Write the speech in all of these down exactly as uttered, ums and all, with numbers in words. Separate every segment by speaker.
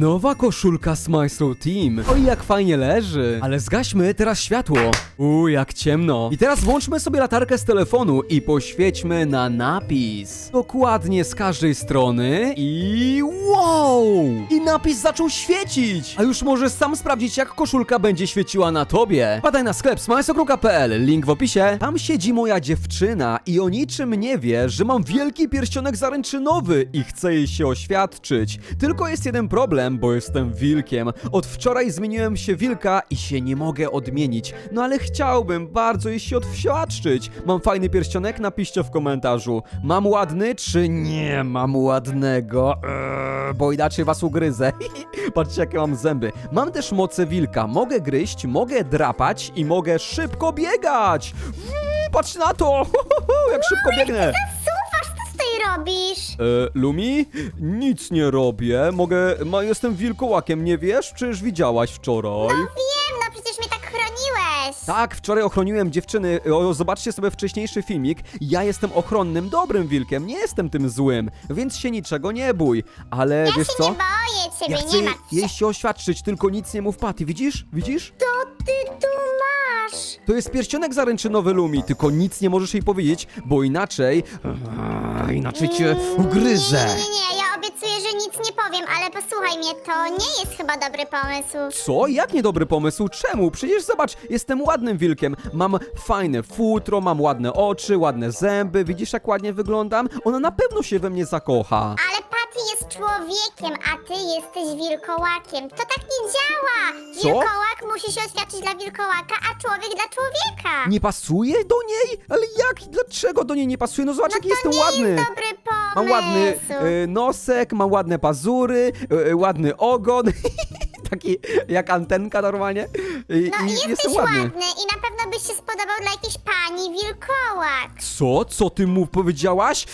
Speaker 1: Nowa koszulka z Maestro Team. Oj, jak fajnie leży. Ale zgaśmy teraz światło. Uuu, jak ciemno. I teraz włączmy sobie latarkę z telefonu i poświećmy na napis. Dokładnie z każdej strony i wow! I napis zaczął świecić. A już możesz sam sprawdzić, jak koszulka będzie świeciła na tobie. Wpadaj na sklep smajsokru kropka p l, link w opisie. Tam siedzi moja dziewczyna i o niczym nie wie, że mam wielki pierścionek zaręczynowy i chcę jej się oświadczyć. Tylko jest jeden problem, bo jestem wilkiem. Od wczoraj zmieniłem się wilka i się nie mogę odmienić. No ale chciałbym bardzo jej się odświadczyć. Mam fajny pierścionek? Napiszcie w komentarzu. Mam ładny, czy nie mam ładnego? Eee, bo inaczej was ugryzę. Patrzcie, jakie mam zęby. Mam też moce wilka. Mogę gryźć, mogę drapać i mogę szybko biegać. Patrz na to! Jak szybko biegnę!
Speaker 2: Suwasz, co tutaj robisz?
Speaker 1: E, Lumi? Nic nie robię. Mogę... Ma, jestem wilkołakiem, nie wiesz? Przecież widziałaś wczoraj.
Speaker 2: Wiem, no przecież mnie tak chroniłeś.
Speaker 1: Tak, wczoraj ochroniłem dziewczyny. O, zobaczcie sobie wcześniejszy filmik. Ja jestem ochronnym, dobrym wilkiem, nie jestem tym złym, więc się niczego nie bój. Ale
Speaker 2: Ja
Speaker 1: wiesz
Speaker 2: się
Speaker 1: co?
Speaker 2: nie boję ciebie,
Speaker 1: Ja chcę
Speaker 2: nie
Speaker 1: jej,
Speaker 2: martw się.
Speaker 1: jej się oświadczyć, tylko nic nie mów Patty. Widzisz? Widzisz?
Speaker 2: Co ty tu masz?
Speaker 1: To jest pierścionek zaręczynowy Lumi, tylko nic nie możesz jej powiedzieć, bo inaczej... Eee, inaczej cię ugryzę.
Speaker 2: Nie, nie, nie, ja obiecuję, że nic nie powiem, ale posłuchaj mnie, to nie jest chyba dobry pomysł.
Speaker 1: Co? Jak niedobry pomysł? Czemu? Przecież zobacz, jestem ładnym wilkiem. Mam fajne futro, mam ładne oczy, ładne zęby. Widzisz, jak ładnie wyglądam? Ona na pewno się we mnie zakocha.
Speaker 2: Ale Patty jest człowiekiem, a ty jesteś wilkołakiem. To tak nie działa.
Speaker 1: Co?
Speaker 2: Wilkołak musi się oświadczyć dla wilkołaka, a człowiek dla człowieka.
Speaker 1: Nie pasuje do niej? Ale jak? Dlaczego do niej nie pasuje? No zobacz,
Speaker 2: no
Speaker 1: jaki
Speaker 2: to
Speaker 1: jestem
Speaker 2: nie
Speaker 1: ładny.
Speaker 2: jest dobry pomysł.
Speaker 1: Mam ładny e, nosek, mam ładne pazury, e, ładny ogon. Taki jak antenka normalnie. I,
Speaker 2: No
Speaker 1: i
Speaker 2: jesteś
Speaker 1: jestem ładny.
Speaker 2: ładny i na pewno byś się spodobał dla jakiejś pani wilkołak.
Speaker 1: Co? Co ty mu powiedziałaś?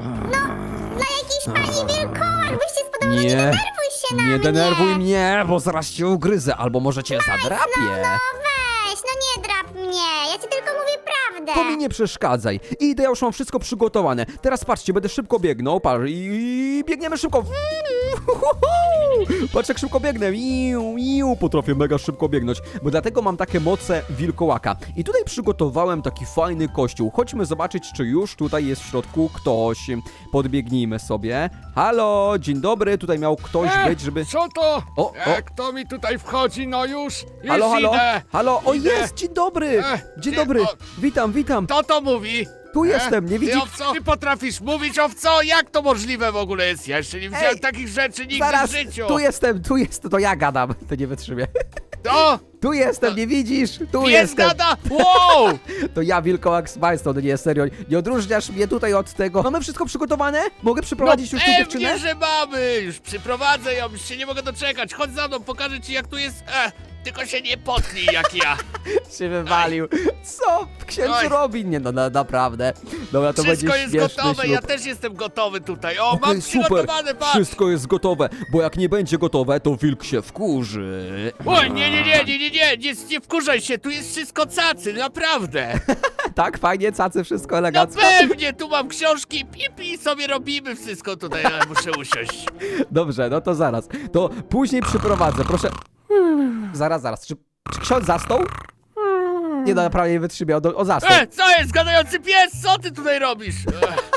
Speaker 2: Dla jakiejś pani wilkołak byś się spodobał, no nie
Speaker 1: Nie,
Speaker 2: denerwuj się na
Speaker 1: nie
Speaker 2: mnie.
Speaker 1: denerwuj mnie, bo zaraz cię ugryzę, albo może cię zadrapię.
Speaker 2: No weź, no nie drap mnie, ja ci tylko mówię prawdę.
Speaker 1: To mi nie przeszkadzaj. Idę, ja już mam wszystko przygotowane. Teraz patrzcie, będę szybko biegnął. Patrz, i biegniemy szybko. Patrz, jak szybko biegnę. Iu, iu. Potrafię mega szybko biegnąć, bo dlatego mam takie moce wilkołaka. I tutaj przygotowałem taki fajny kościół. Chodźmy zobaczyć, czy już tutaj jest w środku ktoś. Podbiegnijmy sobie. Halo, dzień dobry. Tutaj miał ktoś
Speaker 3: E,
Speaker 1: być, żeby...
Speaker 3: Co to?
Speaker 1: O,
Speaker 3: E,
Speaker 1: o.
Speaker 3: Kto mi tutaj wchodzi? No już, już
Speaker 1: Halo, halo,
Speaker 3: idę.
Speaker 1: halo, o
Speaker 3: Idę.
Speaker 1: jest, dzień dobry.
Speaker 3: E,
Speaker 1: Dzień
Speaker 3: ty,
Speaker 1: dobry.
Speaker 3: o.
Speaker 1: Witam, witam.
Speaker 3: Kto to mówi?
Speaker 1: Tu jestem, nie
Speaker 3: Ty,
Speaker 1: widzisz?
Speaker 3: owco? Ty potrafisz mówić, owco? Jak to możliwe w ogóle jest? Ja jeszcze nie widziałem
Speaker 1: Ej,
Speaker 3: takich rzeczy nigdy
Speaker 1: Zaraz,
Speaker 3: w życiu.
Speaker 1: tu jestem, tu jest, to ja gadam, to nie wytrzymię.
Speaker 3: To?
Speaker 1: Tu jestem, nie widzisz? Tu
Speaker 3: Pies
Speaker 1: jestem.
Speaker 3: gada? Wow!
Speaker 1: To ja, wilkołak z Majstą, no nie, serio, nie odróżniasz mnie tutaj od tego. Mamy wszystko przygotowane? Mogę przyprowadzić
Speaker 3: no
Speaker 1: już tę dziewczynę?
Speaker 3: pewnie, że mamy. Już przyprowadzę ją, już się nie mogę doczekać. Chodź za mną, pokażę ci jak tu jest. E, tylko się nie potknij jak ja.
Speaker 1: Się wywalił. Co księdzu
Speaker 3: Oj.
Speaker 1: robi? Nie no, na, naprawdę. Dobra, to
Speaker 3: Wszystko
Speaker 1: będzie
Speaker 3: jest
Speaker 1: śmieszny
Speaker 3: gotowe,
Speaker 1: ślub.
Speaker 3: ja też jestem gotowy tutaj. O,
Speaker 1: Okej,
Speaker 3: mam
Speaker 1: super,
Speaker 3: przygotowane, patrz.
Speaker 1: wszystko jest gotowe, bo jak nie będzie gotowe, to wilk się wkurzy.
Speaker 3: Oj, nie, nie, nie, nie, nie, nie, nie, nie wkurzaj się, tu jest wszystko cacy, naprawdę.
Speaker 1: Tak, fajnie, cacy, wszystko
Speaker 3: No
Speaker 1: elegancko.
Speaker 3: pewnie, tu mam książki, pipi, sobie robimy wszystko tutaj, ale muszę usiąść.
Speaker 1: Dobrze, no to zaraz. To później przyprowadzę, proszę. Zaraz, zaraz. Czy, czy ksiądz zasnął? Nie, no naprawdę nie wytrzymiał. O, o zasnął.
Speaker 3: E, co jest, gadający pies, co ty tutaj robisz? Ech.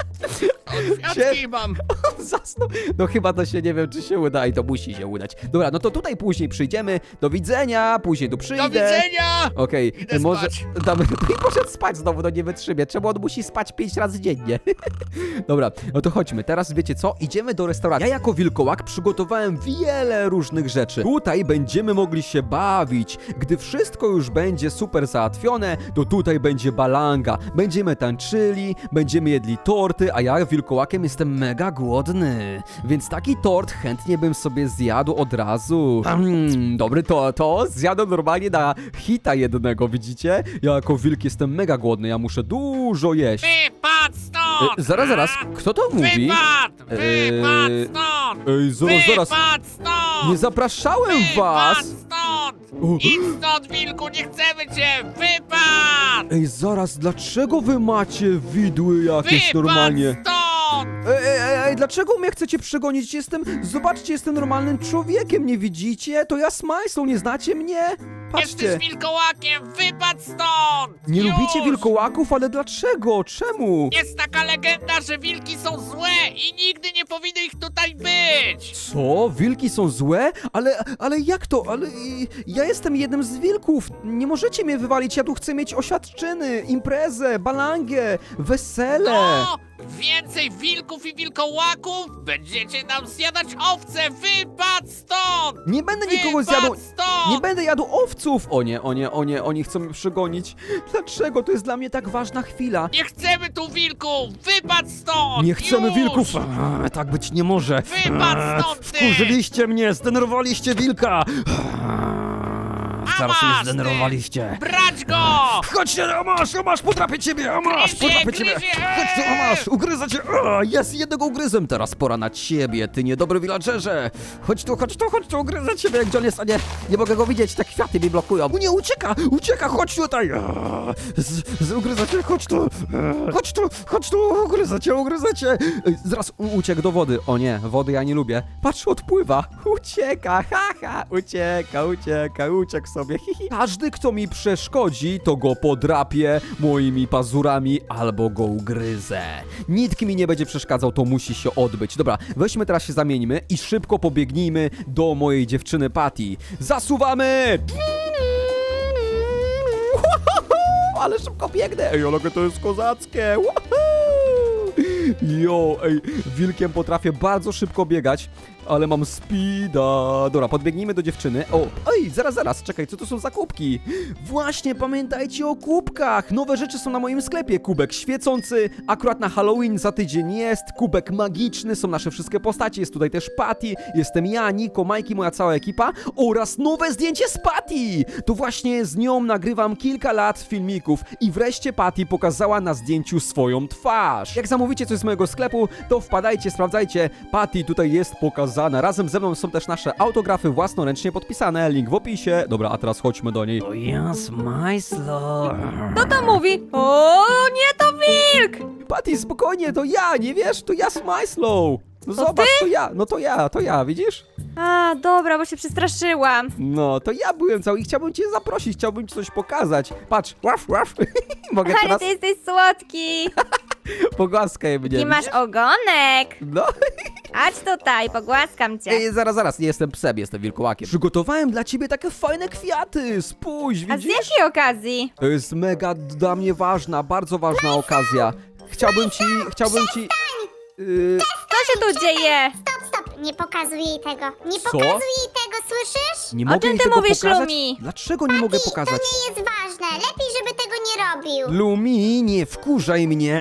Speaker 3: O, kwiatki
Speaker 1: Sie-
Speaker 3: mam.
Speaker 1: Zasnął. No chyba to się nie wiem, czy się uda i to musi się udać. Dobra, no to tutaj później przyjdziemy. Do widzenia, później tu przyjdę.
Speaker 3: Do widzenia!
Speaker 1: Okej,
Speaker 3: Idę
Speaker 1: może.
Speaker 3: spać.
Speaker 1: Damy, i poszedł spać znowu, no nie wytrzymie. Czemu on musi spać pięć razy dziennie? Dobra, no to chodźmy. Teraz wiecie co? Idziemy do restauracji. Ja jako wilkołak przygotowałem wiele różnych rzeczy. Tutaj będziemy mogli się bawić. Gdy wszystko już będzie super załatwione, to tutaj będzie balanga. Będziemy tańczyli, będziemy jedli torty, a ja wilkołakiem jestem mega głodny. Więc taki tort chętnie bym sobie zjadł od razu. Mm, dobry to, to zjadłem normalnie na hita jednego, widzicie? Ja jako wilk jestem mega głodny, ja muszę dużo jeść.
Speaker 3: Wypad stąd!
Speaker 1: E, zaraz, zaraz, kto to mówi?
Speaker 3: Wypad! Wypad
Speaker 1: Eee,
Speaker 3: stąd!
Speaker 1: Ej, zaraz, zaraz,
Speaker 3: Wypad stąd!
Speaker 1: nie zapraszałem was!
Speaker 3: Wypad stąd!
Speaker 1: O.
Speaker 3: Idź stąd, wilku, nie chcemy cię! Wypad!
Speaker 1: Ej, zaraz, dlaczego wy macie widły jakieś
Speaker 3: Wypad
Speaker 1: normalnie?
Speaker 3: stąd!
Speaker 1: Ej, ej, ej, Ej, dlaczego mnie chcecie przegonić? Jestem, zobaczcie, jestem normalnym człowiekiem, nie widzicie? To ja Smajslow, nie znacie mnie? Patrzcie.
Speaker 3: Jesteś wilkołakiem, wypadł stąd!
Speaker 1: Nie
Speaker 3: Już!
Speaker 1: lubicie wilkołaków, ale dlaczego? Czemu?
Speaker 3: Jest taka legenda, że wilki są złe i nigdy nie powinny ich tutaj być!
Speaker 1: Co? Wilki są złe? Ale, ale jak to? Ale y, ja jestem jednym z wilków. Nie możecie mnie wywalić, ja tu chcę mieć oświadczyny, imprezę, balangę, wesele.
Speaker 3: No! Więcej wilków i wilkołaków! Będziecie nam zjadać owce! Wypadł stąd!
Speaker 1: Nie będę nikogo
Speaker 3: Wypadł
Speaker 1: zjadł.
Speaker 3: stąd!
Speaker 1: Nie będę jadł owców! O nie, o nie, o nie, oni chcą mnie przegonić. Dlaczego? To jest dla mnie tak ważna chwila.
Speaker 3: Nie chcemy tu wilków! Wypadł stąd!
Speaker 1: Nie chcemy
Speaker 3: Już!
Speaker 1: wilków! A, tak być nie może!
Speaker 3: Wypadł
Speaker 1: A,
Speaker 3: stąd, ty!
Speaker 1: Wkurzyliście mnie! Zdenerwowaliście wilka!
Speaker 3: A
Speaker 1: Zaraz mnie
Speaker 3: masz, ty!
Speaker 1: zdenerwowaliście!
Speaker 3: Brać go!
Speaker 1: Chodźcie, o masz, o masz, potrapię ciebie, o masz,
Speaker 3: Gryzie,
Speaker 1: potrapię ciebie!
Speaker 3: gryzie!
Speaker 1: Chodź tu, o masz, ugryzę cię! O, jest, jednego ugryzłem, teraz pora na ciebie, ty niedobry villagerze! Chodź tu, chodź tu, chodź tu, ugryzę ciebie, gdzie on jest, a nie, nie mogę go widzieć, te kwiaty mi blokują. O nie, ucieka, ucieka, chodź tutaj! O, z, z, ugryzę cię, chodź tu, e, chodź tu, chodź tu, ugryzę cię, ugryzę cię! Ej, zaraz u, uciekł do wody, o nie, wody ja nie lubię. Patrz, odpływa, ucieka, haha, ucieka, ucieka, uciekł sobie, hi, hi. Każdy, kto mi przeszkodzi, to go podrapię moimi pazurami albo go ugryzę. Nikt mi nie będzie przeszkadzał, to musi się odbyć. Dobra, weźmy teraz się zamieńmy i szybko pobiegnijmy do mojej dziewczyny Patty. Zasuwamy! Ale szybko biegnę! Ej, ale to jest kozackie! Jo, ej, wilkiem potrafię bardzo szybko biegać, ale mam speeda. Dobra, podbiegnijmy do dziewczyny. O, ej, zaraz, zaraz, czekaj, co to są za kubki? Właśnie, pamiętajcie o kubkach. Nowe rzeczy są na moim sklepie. Kubek świecący, akurat na Halloween za tydzień jest. Kubek magiczny, są nasze wszystkie postacie. Jest tutaj też Patty, jestem ja, Niko, Majki, moja cała ekipa oraz nowe zdjęcie z Patty. To właśnie z nią nagrywam kilka lat filmików i wreszcie Patty pokazała na zdjęciu swoją twarz. Jak zamówicie coś z mojego sklepu, to wpadajcie, sprawdzajcie. Patty tutaj jest pokazana. Razem ze mną są też nasze autografy własnoręcznie podpisane. Link w opisie. Dobra, a teraz chodźmy do niej. To ja, Smajslow.
Speaker 4: Kto to mówi? O, nie, to wilk!
Speaker 1: Patty, spokojnie, to ja, nie wiesz? To ja, Smajslow. No zobacz, to ja, no to ja, to ja, widzisz?
Speaker 4: A, dobra, bo się przestraszyłam.
Speaker 1: No, to ja byłem cały i chciałbym cię zaprosić, chciałbym ci coś pokazać. Patrz, łaf, łaf. Mogę
Speaker 4: Ale
Speaker 1: teraz
Speaker 4: ty jesteś słodki.
Speaker 1: pogłaskaj mnie.
Speaker 4: I masz ogonek.
Speaker 1: No.
Speaker 4: Chodź tutaj, pogłaskam cię.
Speaker 1: Ej, zaraz, zaraz, nie jestem psem, jestem wilkołakiem. Przygotowałem dla ciebie takie fajne kwiaty, spójrz,
Speaker 4: A z
Speaker 1: widzisz?
Speaker 4: jakiej okazji?
Speaker 1: To jest mega dla mnie ważna, bardzo ważna okazja. Chciałbym ci, chciałbym ci... Yy,
Speaker 4: Co się tu dzieje?
Speaker 2: Stop, stop, nie pokazuj jej tego. Nie
Speaker 1: Co?
Speaker 2: pokazuj jej tego, słyszysz?
Speaker 1: nie
Speaker 4: O
Speaker 1: mogę
Speaker 4: czym
Speaker 1: jej
Speaker 4: ty
Speaker 1: tego
Speaker 4: mówisz,
Speaker 1: pokazać?
Speaker 4: Lumi?
Speaker 1: Dlaczego nie mogę
Speaker 2: I to
Speaker 1: pokazać?
Speaker 2: nie jest ważne. Lepiej, żeby tego nie robił.
Speaker 1: Lumi, nie wkurzaj mnie.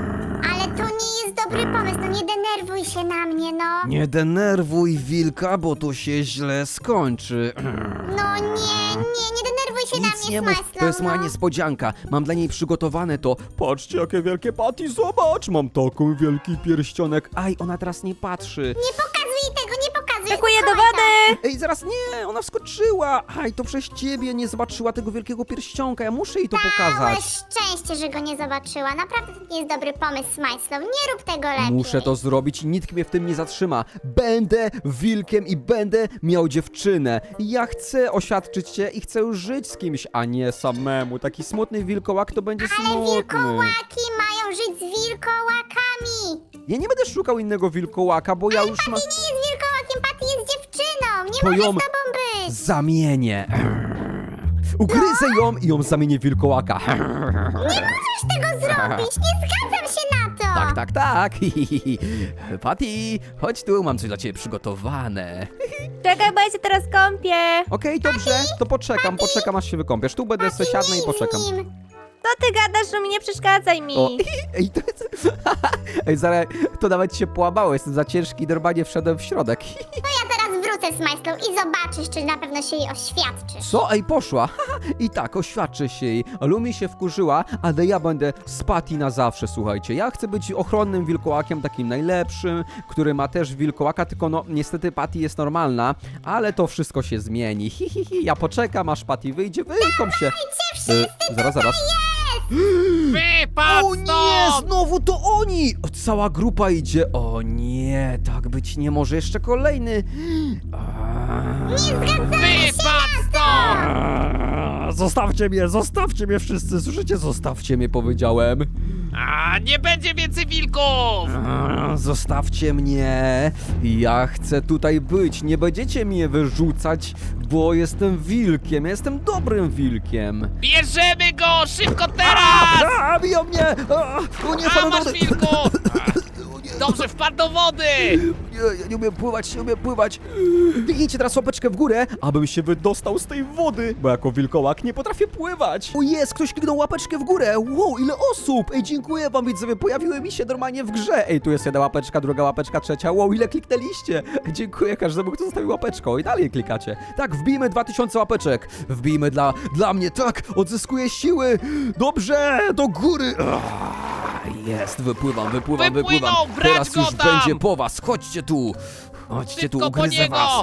Speaker 2: Ale to nie jest dobry pomysł, no nie denerwuj się na mnie, no.
Speaker 1: Nie denerwuj wilka, bo to się źle skończy.
Speaker 2: No nie, nie, nie denerwuj się na
Speaker 1: Nic
Speaker 2: mnie,
Speaker 1: nie mów,
Speaker 2: Smajslow,
Speaker 1: to jest moja
Speaker 2: no.
Speaker 1: niespodzianka. Mam dla niej przygotowane to. Patrzcie, jakie wielkie Patty, zobacz! Mam taką wielki pierścionek. Aj, ona teraz nie patrzy.
Speaker 2: Nie pokazuj jej tego, nie pokazuj.
Speaker 4: Skakuję do
Speaker 2: Schowaj to.
Speaker 4: wody.
Speaker 1: Ej, zaraz nie, ona wskoczyła. Aj, to przez ciebie nie zobaczyła tego wielkiego pierścionka. Ja muszę jej to
Speaker 2: Całe
Speaker 1: pokazać.
Speaker 2: szczęście, że go nie zobaczyła. Naprawdę to nie jest dobry pomysł, Smajslow. Nie rób tego lepiej.
Speaker 1: Muszę to zrobić i nikt mnie w tym nie zatrzyma. Będę wilkiem i będę miał dziewczynę. Ja chcę oświadczyć się i chcę już żyć z kimś, a nie samemu. Taki smutny wilkołak to będzie
Speaker 2: Ale
Speaker 1: smutny.
Speaker 2: wilkołaki mają żyć z wilkołakami.
Speaker 1: Ja nie będę szukał innego wilkołaka, bo ja już mam...
Speaker 2: Patty nie jest wilkołakiem, Patty jest dziewczyną. Nie
Speaker 1: To
Speaker 2: może
Speaker 1: ją
Speaker 2: z tobą być.
Speaker 1: zamienię. Ugryzę ją i ją zamienię w wilkołaka.
Speaker 2: Nie możesz tego zrobić. Nie zgadzam się na to.
Speaker 1: Tak, tak, tak. Patty, chodź tu, mam coś dla ciebie przygotowane.
Speaker 4: Czekaj, bo ja się teraz kąpię.
Speaker 1: Okej, dobrze, to poczekam, poczekam aż się wykąpiesz. Tu będę sobie siadnę i
Speaker 2: Idź z
Speaker 1: poczekam.
Speaker 2: nim.
Speaker 4: Co ty gadasz, że mi nie przeszkadzaj mi?
Speaker 1: O, ej, to jest... Ej, zaraz, to nawet się połamało, jestem za ciężki i normalnie wszedłem w środek.
Speaker 2: To ja teraz wrócę z Smajslow i zobaczysz, czy na pewno się jej oświadczysz.
Speaker 1: Co? Ej, poszła. I tak, oświadczę się jej. Lumi się wkurzyła, ale ja będę z Patty na zawsze, słuchajcie. Ja chcę być ochronnym wilkołakiem, takim najlepszym, który ma też wilkołaka, tylko no, niestety Patty jest normalna, ale to wszystko się zmieni. Hi, hi, hi. Ja poczekam, aż Patty wyjdzie, wykąp się. E, zaraz, zaraz.
Speaker 3: Wypadł
Speaker 1: O nie,
Speaker 3: stąd!
Speaker 1: znowu to oni! O, cała grupa idzie. O nie, tak być nie może. Jeszcze kolejny. A...
Speaker 3: Wypadł stąd!
Speaker 1: Zostawcie mnie, zostawcie mnie wszyscy, słyszycie? Zostawcie mnie, powiedziałem.
Speaker 3: A, nie będzie więcej wilków!
Speaker 1: A, Zostawcie mnie. Ja chcę tutaj być. Nie będziecie mnie wyrzucać, bo jestem wilkiem. Ja jestem dobrym wilkiem.
Speaker 3: Bierzemy go! Szybko teraz!
Speaker 1: A, biją mnie! A, o nie,
Speaker 3: A,
Speaker 1: wpadłem do
Speaker 3: masz
Speaker 1: wody.
Speaker 3: wilku!
Speaker 1: O nie,
Speaker 3: Dobrze, wpadł do wody!
Speaker 1: Nie, ja nie umiem pływać, nie umiem pływać. Kliknijcie teraz łapeczkę w górę, abym się wydostał z tej wody, bo jako wilkołak nie potrafię pływać. O jest, ktoś kliknął łapeczkę w górę. Wow, ile osób! Ej, dziękuję wam widzowie, pojawiły mi się normalnie w grze. Ej, tu jest jedna łapeczka, druga łapeczka, trzecia. Wow, ile kliknęliście. Dziękuję każdemu, kto zostawił łapeczką i dalej klikacie. Tak, wbijmy dwa tysiące łapeczek. Wbijmy dla, dla mnie, tak, odzyskuję siły. Dobrze, do góry. Ah, jest, wypływam, wypływam,
Speaker 3: Wypłynął,
Speaker 1: wypływam.
Speaker 3: brać
Speaker 1: Teraz
Speaker 3: go
Speaker 1: już
Speaker 3: tam!
Speaker 1: będzie po was, chodźcie tu. Chodźcie
Speaker 3: Szybko
Speaker 1: tu,
Speaker 3: po
Speaker 1: ugryzę
Speaker 3: niego!
Speaker 1: was.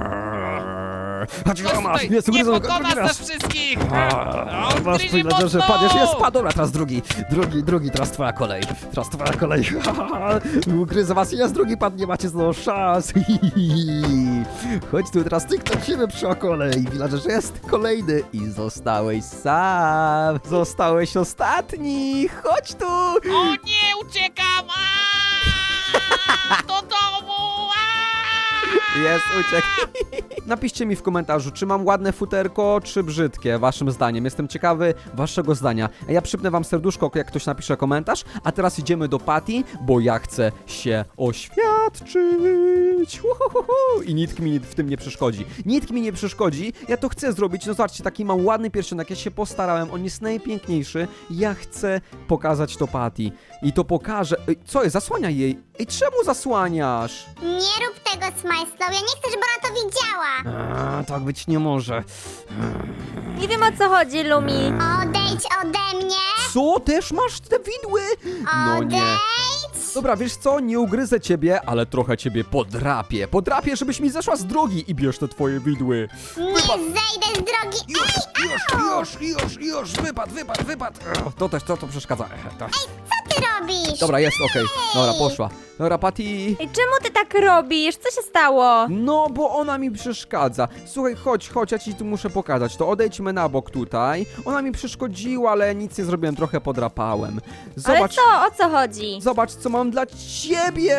Speaker 1: Chodź,
Speaker 3: Ktoś
Speaker 1: masz,
Speaker 3: tutaj
Speaker 1: jest,
Speaker 3: nie
Speaker 1: ugryzę,
Speaker 3: pokona
Speaker 1: drugi
Speaker 3: nas
Speaker 1: raz.
Speaker 3: wszystkich!
Speaker 1: A,
Speaker 3: On
Speaker 1: Masz
Speaker 3: gryzie
Speaker 1: chwilę, że
Speaker 3: mocno!
Speaker 1: padniesz, jest, spadł, dobra, teraz drugi, drugi, drugi, teraz twoja kolej, teraz twoja kolej, ugryzę was, jest, drugi padł, nie macie znowu szans, chodź tu, teraz ty kręcimy przy kolej, villager jest kolejny i zostałeś sam, zostałeś ostatni, chodź tu.
Speaker 3: O nie, uciekam! Aaa! Do domu! Aaa!
Speaker 1: Jest, uciekł. Napiszcie mi w komentarzu, czy mam ładne futerko, czy brzydkie, waszym zdaniem. Jestem ciekawy waszego zdania. A ja przypnę wam serduszko, jak ktoś napisze komentarz. A teraz idziemy do Patty, bo ja chcę się oświadczyć. Uhuhuhu. I nikt mi w tym nie przeszkodzi. Nikt mi nie przeszkodzi. Ja to chcę zrobić. No zobaczcie, taki mam ładny pierścionek. Ja się postarałem. On jest najpiękniejszy. Ja chcę pokazać to Patty. I to pokażę. Ej, co jest? Zasłaniaj jej. Ej, czemu zasłaniasz?
Speaker 2: Nie rób tego, Smajslow, ja nie chcę, żeby ona to widziała.
Speaker 1: A, tak być nie może.
Speaker 4: Nie wiem, o co chodzi, Lumi.
Speaker 2: Odejdź ode mnie!
Speaker 1: Co? Też masz te widły? No nie.
Speaker 2: Odejdź!
Speaker 1: Dobra, wiesz co? Nie ugryzę ciebie, ale trochę ciebie podrapię. Podrapię, żebyś mi zeszła z drogi i bierz te twoje widły.
Speaker 2: Nie zejdę z drogi!
Speaker 1: Już, już, już, już, już, wypad, wypad, wypad. Ech, To też, to, to przeszkadza. Ech, to.
Speaker 2: Co ty robisz?
Speaker 1: Dobra, jest, okej. Dobra, poszła. Dobra, Patty.
Speaker 4: Ej, czemu ty tak robisz? Co się stało?
Speaker 1: No, bo ona mi przeszkadza. Słuchaj, chodź, chodź, ja ci tu muszę pokazać. To odejdźmy na bok tutaj. Ona mi przeszkodziła, ale nic nie zrobiłem, trochę podrapałem.
Speaker 4: Ale
Speaker 1: Zobacz,
Speaker 4: co? O co chodzi?
Speaker 1: zobacz, co mam dla ciebie.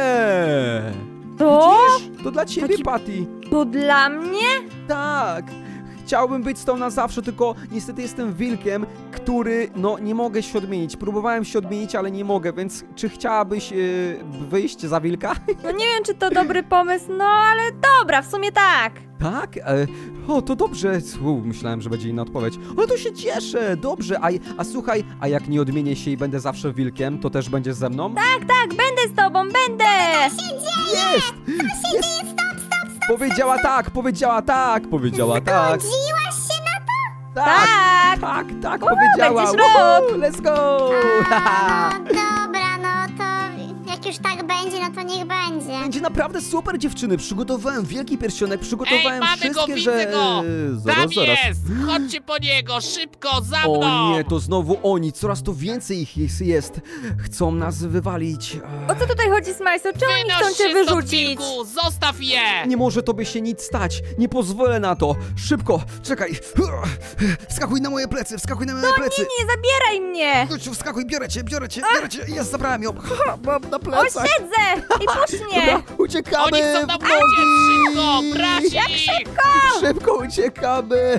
Speaker 4: To?
Speaker 1: Widzisz? To dla ciebie,
Speaker 4: Taki-
Speaker 1: Patty.
Speaker 4: To dla mnie?
Speaker 1: Tak. Chciałbym być z tą na zawsze, tylko niestety jestem wilkiem, który, no, nie mogę się odmienić. Próbowałem się odmienić, ale nie mogę, więc czy chciałabyś yy, wyjść za wilka?
Speaker 4: No nie wiem, czy to dobry pomysł, no ale dobra, w sumie tak.
Speaker 1: Tak? E, o, to dobrze. U, myślałem, że będzie inna odpowiedź. Ale to się cieszę, dobrze. A, a słuchaj, a jak nie odmienię się i będę zawsze wilkiem, to też będziesz ze mną?
Speaker 4: Tak, tak, będę z tobą, będę!
Speaker 1: Jest! Jest!
Speaker 2: Stop, stop, stop!
Speaker 1: Powiedziała tak, powiedziała tak, powiedziała tak.
Speaker 2: Zgodziłaś się na to?
Speaker 1: Tak,
Speaker 4: Tak!
Speaker 1: tak, tak,
Speaker 4: O,
Speaker 1: powiedziała.
Speaker 4: będziesz
Speaker 1: Woohoo,
Speaker 4: rok.
Speaker 1: let's go!
Speaker 2: A, no dobra, no to jak już tak będzie, no to niech będzie.
Speaker 1: Będzie naprawdę super, dziewczyny. Przygotowałem wielki pierścionek,
Speaker 3: Ej,
Speaker 1: przygotowałem
Speaker 3: mamy go,
Speaker 1: wszystkie,
Speaker 3: widzę
Speaker 1: że...
Speaker 3: go!
Speaker 1: Zaraz,
Speaker 3: Tam
Speaker 1: zaraz.
Speaker 3: jest! Chodźcie po niego, szybko, za mną!
Speaker 1: O nie, to znowu oni, coraz to więcej ich jest. jest. Chcą nas wywalić.
Speaker 4: O co tutaj chodzi, Smajso? Czemu oni
Speaker 3: Wynoś
Speaker 4: chcą cię
Speaker 3: się stąd,
Speaker 4: wyrzucić?
Speaker 3: wilku, zostaw je!
Speaker 1: Nie może tobie się nic stać. Nie pozwolę na to. Szybko, czekaj. Wskakuj na moje plecy, wskakuj na moje plecy.
Speaker 4: Nie, nie zabieraj mnie!
Speaker 1: Chodź, wskakuj, biorę cię, biorę cię, biorę cię. Jest, zabrałem ją. Ha, mam na
Speaker 4: O,
Speaker 1: plecach.
Speaker 4: siedzę! I puść mnie!
Speaker 1: Dobra, uciekamy.
Speaker 3: Oni chcą nam
Speaker 1: w nogi.
Speaker 3: uciec, szybko, brać ich!
Speaker 1: Szybko uciekamy.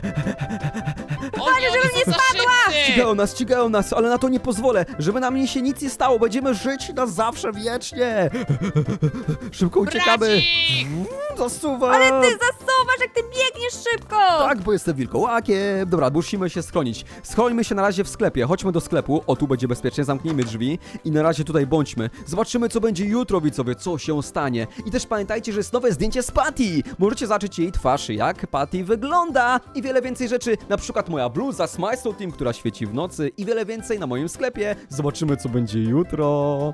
Speaker 3: Oni,
Speaker 4: żebym
Speaker 3: oni
Speaker 4: nie
Speaker 3: są za
Speaker 4: spadła!
Speaker 3: szybcy!
Speaker 1: Ścigają nas, ścigają nas, ale na to nie pozwolę. Żeby nam się nic nie stało. Będziemy żyć na zawsze, wiecznie. Szybko uciekamy.
Speaker 3: Brać ich!
Speaker 1: Zasuwam.
Speaker 4: Ale ty zasuwasz, jak ty biegniesz szybko!
Speaker 1: Tak, bo jestem wilkołakiem. Dobra, musimy się schronić. Schrońmy się na razie w sklepie. Chodźmy do sklepu. O, tu będzie bezpiecznie. Zamknijmy drzwi. I na razie tutaj bądźmy. Zobaczymy, co będzie jutro, widzowie. Co się stanie. I też pamiętajcie, że jest nowe zdjęcie z Patty. Możecie zobaczyć jej twarz, jak Patty wygląda. I wiele więcej rzeczy. Na przykład moja bluza Smajslow Team, która świeci w nocy. I wiele więcej na moim sklepie. Zobaczymy, co będzie jutro.